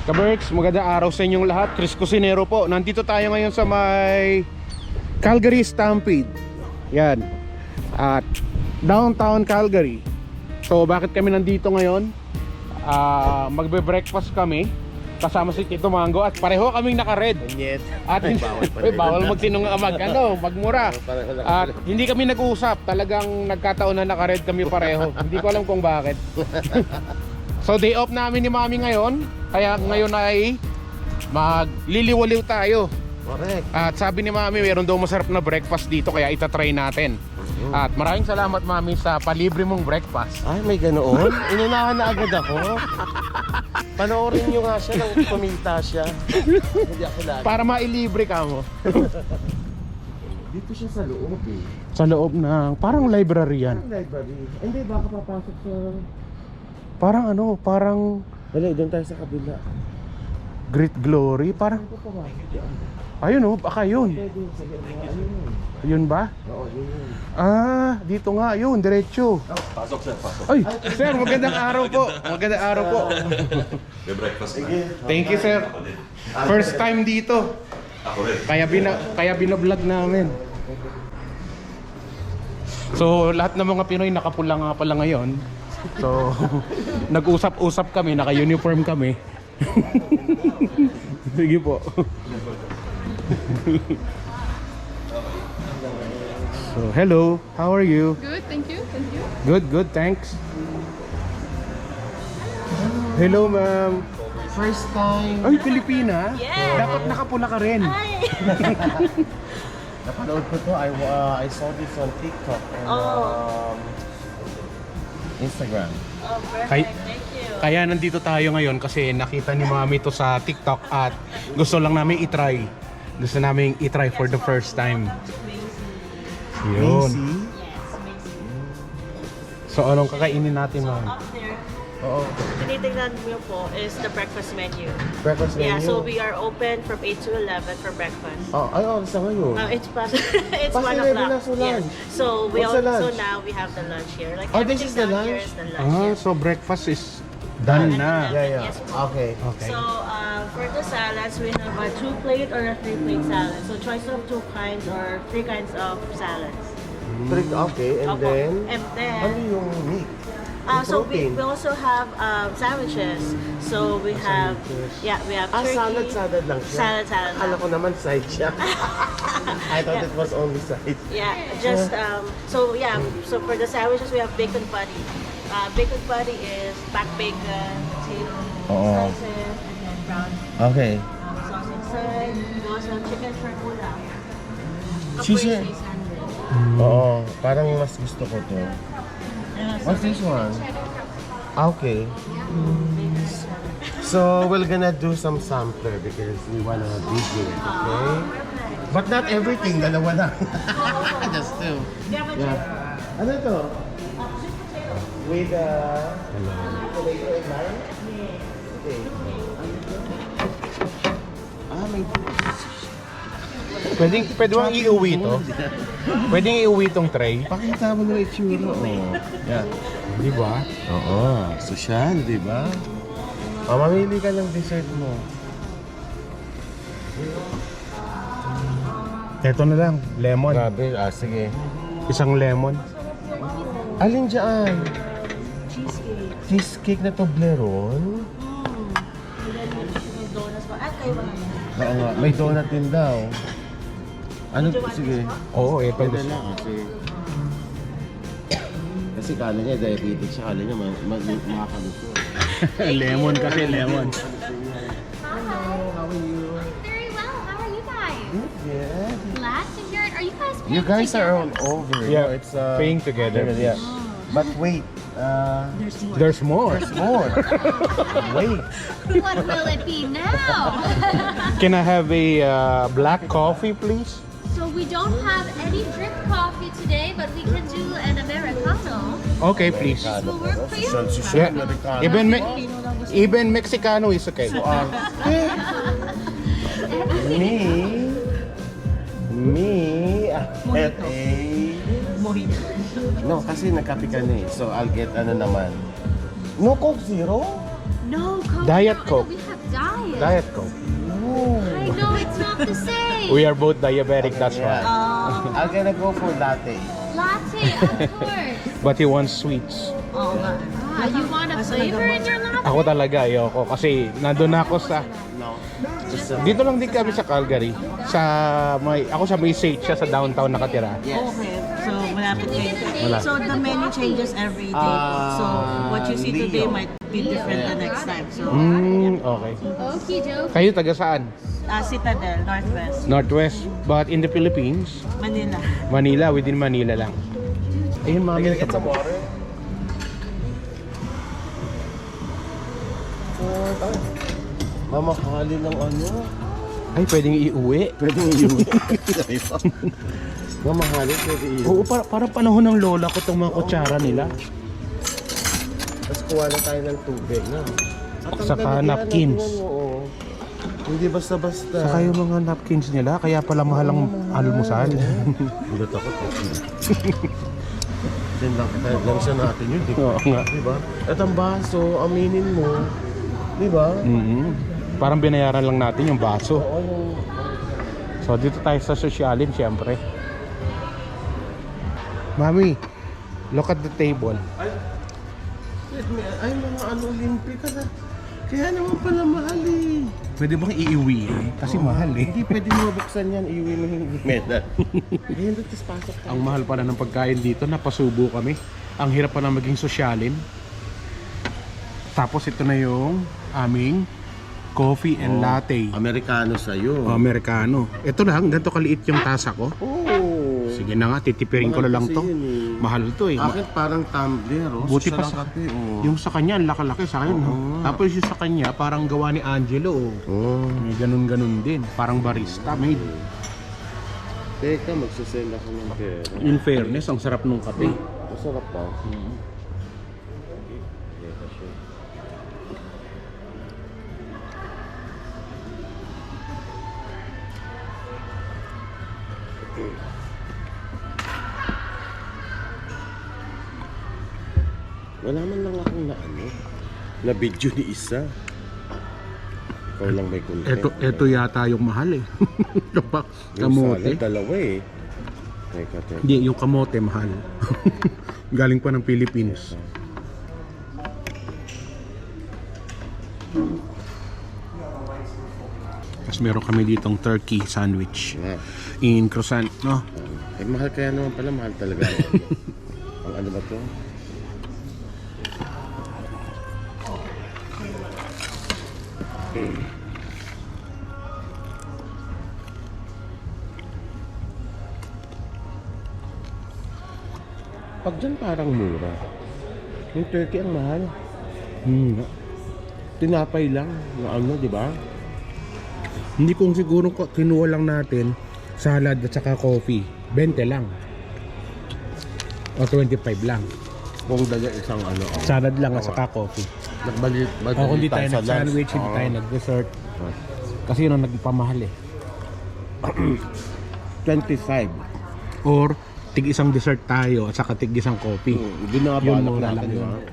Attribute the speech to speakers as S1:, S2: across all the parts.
S1: Kaberks, magandang araw sa inyong lahat. Chris Cusinero po. Nandito tayo ngayon sa may Calgary Stampede. Yan. At downtown Calgary. So bakit kami nandito ngayon? Magbe-breakfast kami kasama si Tito Mango at pareho kaming naka-red. At bawal magmura. At hindi kami nag-uusap. Talagang nagkataon na naka-red kami pareho. Hindi ko alam kung bakit. So day off namin ni Mami ngayon. Kaya ngayon ay magliliwaliw tayo.
S2: Correct.
S1: At sabi ni Mami mayroon daw masarap na breakfast dito kaya itatry natin. At maraming salamat Mami sa palibre mong breakfast.
S2: Ay, may ganoon? Inunahan na agad ako. Panoorin nyo nga siya nang pumita siya. Hindi ako lagi.
S1: Para mailibre ka mo.
S2: Dito siya sa loob eh.
S1: Sa loob ng parang library yan.
S2: Ang library. Hindi, baka papasok sa...
S1: Parang parang
S2: Dali, doon tayo sa kabila.
S1: Great Glory. Parang,
S2: Ito pa ba?
S1: ayun baka yun.
S2: Pwede, sige. Ano yun?
S1: Yun ba?
S2: Oo, yun.
S1: Dito nga, yun, diretso.
S3: Pasok sir, pasok.
S1: Ay, sir, magandang araw po. Magandang araw po.
S3: May breakfast na.
S2: Sige.
S1: Thank you, sir. First time dito.
S3: Ako rin.
S1: Kaya binablog namin. So, lahat ng mga Pinoy nakapula nga pala ngayon. So, nag-usap-usap kami, naka-uniform kami. Sige po. So, hello. How are you?
S4: Good, thank you. Thank you.
S1: Good, thanks. Hello, ma'am.
S2: First time.
S1: Ay, Pilipina?
S4: Yes.
S1: Dapat nakapula ka rin.
S2: Napanood ko to. I saw this on TikTok and Instagram.
S4: Oh, perfect.
S1: Kay-
S4: Thank you.
S1: Kaya nandito tayo ngayon kasi nakita ni Mami to sa TikTok at gusto lang namin i-try. Gusto namin i-try for the first time. Yun.
S2: Macy?
S4: Yes, amazing.
S1: So anong kakainin natin, Ma'am?
S4: Up there,
S2: Oo.
S4: tinitingnan mo po is the breakfast menu.
S2: Breakfast menu?
S4: Yeah, so we are open from 8 to 11 for breakfast.
S2: Sa ngayon.
S4: It's past, it's
S2: Past
S4: 1
S2: 11
S4: o'clock.
S2: na, so lunch.
S4: Yes. So we
S2: What's the
S4: also
S2: lunch?
S4: now we have the lunch here. Like
S2: Oh, this is the
S4: everything down here
S2: lunch?
S4: is the lunch. yes.
S1: So breakfast is done na.
S2: Yeah.
S4: Yes, po.
S2: Okay.
S1: Okay.
S4: So for the salads, we have a 2-plate or a 3-plate salad. So choice of 2 kinds or 3 kinds of salads.
S2: Okay, and
S4: Opo.
S2: then...
S4: And then,
S2: Ano yung meat? Yung
S4: so we
S2: protein?
S4: also have sandwiches. So we have, we have turkey.
S2: Salad lang siya?
S4: Salad
S2: Akala
S4: lang.
S2: ko naman side siya. I thought
S4: Yeah.
S2: it was only side.
S4: Yeah, just so for the sandwiches we have bacon patty. Bacon patty is back bacon, potato,
S2: Oo.
S4: slices, and then brown
S2: Okay.
S4: sauce inside. We also have chicken shrimp-ula.
S2: Cheese
S4: Caprese
S2: eh.
S4: sandwich.
S2: Oo, parang mas gusto ko to.
S4: And also
S2: What's this one? Okay. So we're gonna do some sampler because we wanna video it, okay? But not everything, dalawa lang. Just two.
S4: we have a
S2: Yeah. Ano to? With tomato and lime? Okay. May
S1: Pwede bang iuwi to? Pwedeng iuwi tong tray?
S2: pakita mo na itsura. Yeah.
S1: Di ba?
S2: Oo, social, di ba? Mamili ka ng dessert mo.
S1: Ito na lang, lemon.
S2: Grabe, sige.
S1: Isang lemon.
S2: Alin dyan?
S4: cheesecake.
S2: Cheesecake na Toblerone?
S4: And then may donuts pa. At kayo mga
S2: Oo nga, may donut din daw. Ano? Sige.
S1: Oo, ito
S2: Pwede
S1: gusto.
S2: lang kasi... Kasi kala niya diabetic siya, kala niya makakaluto.
S1: Lemon kasi, lemon.
S2: Hello, how are you?
S5: Very well. How are you guys?
S2: Yeah.
S5: Glad to hear it. Are you guys
S2: You
S5: paying
S2: guys are
S5: together?
S2: all over.
S1: Yeah,
S2: No, it's
S1: paying together.
S2: Yeah. But wait,
S1: There's more.
S2: more. Wait.
S5: What will it be now?
S1: Can I have a black coffee, please?
S5: So we don't have any drip coffee today, but we can do an Americano.
S1: Okay, please.
S5: Will work for you?
S1: Yeah. Even Mexicano is okay.
S2: Me, No, kasi nagkape ka na eh. So, I'll get ano naman. No Coke Zero?
S5: No Coke.
S1: Diet
S5: no,
S1: Coke.
S5: We have diet.
S1: Diet Coke.
S5: I know it's not the same.
S1: We are both diabetic, that's why.
S2: I'm gonna go for latte.
S5: Latte, of course.
S1: But he wants sweets.
S4: Oo nga.
S5: You want a flavor in your latte?
S1: Ako talaga, ayoko. Kasi nandun ako sa...
S2: No.
S1: Dito lang din kami sa Calgary. Ako sa may Sage, siya sa downtown nakatira.
S4: Okay. So, malapit kayo.
S1: Wala.
S4: So, the menu changes every day. So, what you see today might be different the next time. So,
S1: Okay.
S5: Okie dokie.
S1: Kayo taga saan?
S4: Citadel, Northwest,
S1: Northwest. But in the Philippines,
S4: Manila.
S1: Manila, within Manila lang. Ayun, mami.
S2: Can I get some water? Mamahali ng ano?
S1: Ay, pwedeng iuwi.
S2: Pwedeng iuwi. Mamahali, pwede iuwi.
S1: Oo, parang panahon ng lola ko itong mga kutsara nila.
S2: Tapos kuha na tayo ng tubig, no? At ang
S1: Saka
S2: lalagyan,
S1: napkins.
S2: oo. Hindi basta-basta.
S1: Saka yung mga napkins nila, kaya pala mahal ang almusal.
S2: Gulat ako po. Then lang siya natin yun, di
S1: Oo nga.
S2: ba? At ang baso, aminin mo, di ba?
S1: Parang binayaran lang natin yung baso.
S2: Oo, yung...
S1: So dito tayo sa sosyalin, syempre. Mami, look at the table.
S2: Ay, mga ano, Olympic ka na. Kaya naman pala mahal eh.
S1: Pwede bang iiwi? Kasi mahal eh.
S2: Hindi pwede mo mabuksan yan, iuwi mo yung medal. Ayun, tapos pasok tayo.
S1: Ang mahal pala ng pagkain dito, napasubo kami. Ang hirap pa na maging sosyalin. Tapos ito na yung aming coffee and latte.
S2: Amerikano sa'yo.
S1: Americano. Ito lang, ganito kaliit yung tasa ko.
S2: Oo.
S1: Sige na nga, titipirin ko na lang to. Mahal to eh.
S2: Akin parang tumbler, oh.
S1: Buti
S2: Siya
S1: pa
S2: lang
S1: sa
S2: kape, oh.
S1: yung sa kanya, ang laki-laki sa akin. Tapos yung sa kanya, parang gawa ni Angelo.
S2: Oh.
S1: May ganun-ganun din. Parang barista made.
S2: Teka, magsasend ako ng pera.
S1: In fairness, ang sarap nung kape.
S2: Masarap ba? Wala man lang akong na video ni isa. Ikaw lang may content.
S1: Ito yata yung mahal eh.
S2: Yung
S1: Kamote.
S2: salad, dalawa eh. Teka.
S1: Hindi, yung kamote mahal. Galing pa ng Philippines. Tapos meron kami ditong turkey sandwich
S2: Yeah.
S1: in croissant, no?
S2: Eh, mahal kaya naman pala, mahal talaga. Ang ano ba to? Pag dyan parang mura. Yung turkey ang mahal. Tinapay lang na ano, di ba?
S1: Hindi kung siguro kinuha lang natin salad at saka coffee. 20 lang. O 25 lang.
S2: Kung dala isang ano. Oh.
S1: Salad lang at saka coffee.
S2: Nagbalit
S1: O kung di tayo nag-sandwich, hindi tayo nag-dessert. Kasi yun ang nagpamahal eh.
S2: 25.
S1: Or tig isang dessert tayo at saka tig isang coffee.
S2: Doon na nga
S1: Yun
S2: balak
S1: muna
S2: natin,
S1: lang
S2: di
S1: yun.
S2: ba?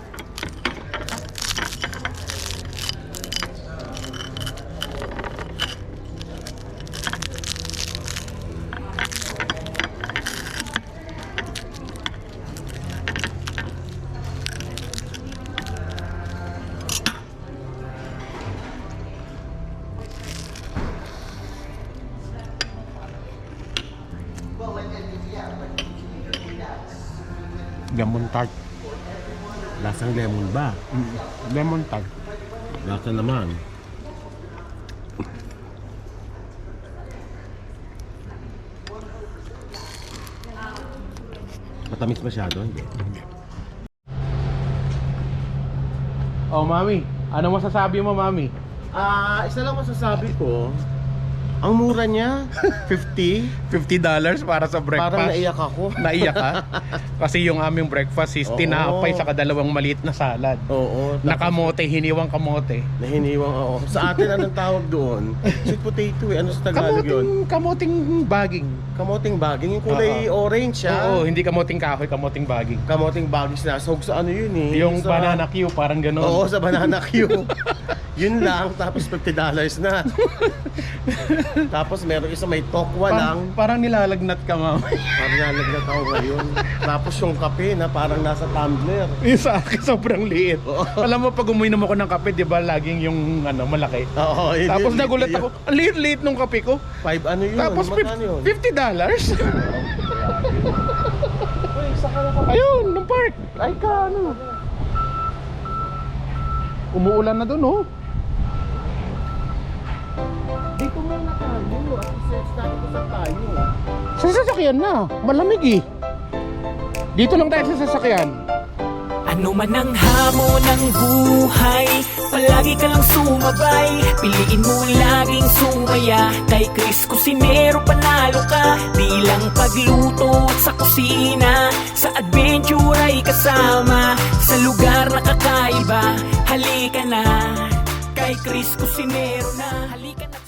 S1: Lemon tart.
S2: Lasang lemon ba?
S1: Lemon tart.
S2: Lasa naman. Matamis masyado, hindi?
S1: Oh, mami. Ano masasabi mo, mami?
S2: Isa lang masasabi ko. Ang mura niya, 50.
S1: $50 para sa breakfast.
S2: Parang naiyak ako.
S1: Naiyak ka? Kasi yung aming breakfast is
S2: Oo.
S1: tinapay sa kadalawang maliit na salad.
S2: Oo.
S1: Nakamote, hiniwang kamote.
S2: Nahiniwang ako. Sa atin, anong tawag doon? Sweet potato eh. Ano sa Tagalog yun?
S1: Kamoting baging.
S2: Kamoting baging. Yung kulay orange siya.
S1: Oo, hindi kamoting kahoy, kamoting baging.
S2: Kamoting baging na. Sahog sa ano yun eh.
S1: Yung
S2: sa...
S1: banana Q, parang gano'n.
S2: Oo, sa banana Q. Yun lang, tapos $50 na. Tapos meron isa may tokwa lang.
S1: Parang nilalagnat ka, ma'am.
S2: Parang nalagnat ako ngayon. Tapos yung kape na parang nasa tumbler.
S1: Yung sa akin, sobrang liit. Alam mo, pag uminom ako ng kape, di ba, laging yung malaki.
S2: Oo, yun
S1: Tapos
S2: yun,
S1: nagulat
S2: yun.
S1: ako, ang liit-liit nung kape ko.
S2: Ano yun?
S1: Tapos
S2: Magkano yun?
S1: $50? Ayun, ng park. Ay ka, ano. Umuulan na dun, oh.
S2: Dito muna tayo. At i-search natin kung saan tayo.
S1: Sa sasakyan na, malamig eh. Dito lang tayo sa sasakyan.
S6: Ano man ang hamon ng buhay, palagi ka lang sumabay. Piliin mo laging sumaya. Kay Chris Cusinero panalo ka. Di lang pagluto at sa kusina, sa adventure ay kasama. Sa lugar na kakaiba, halika na. Kay Chris Cusinero na, halika na.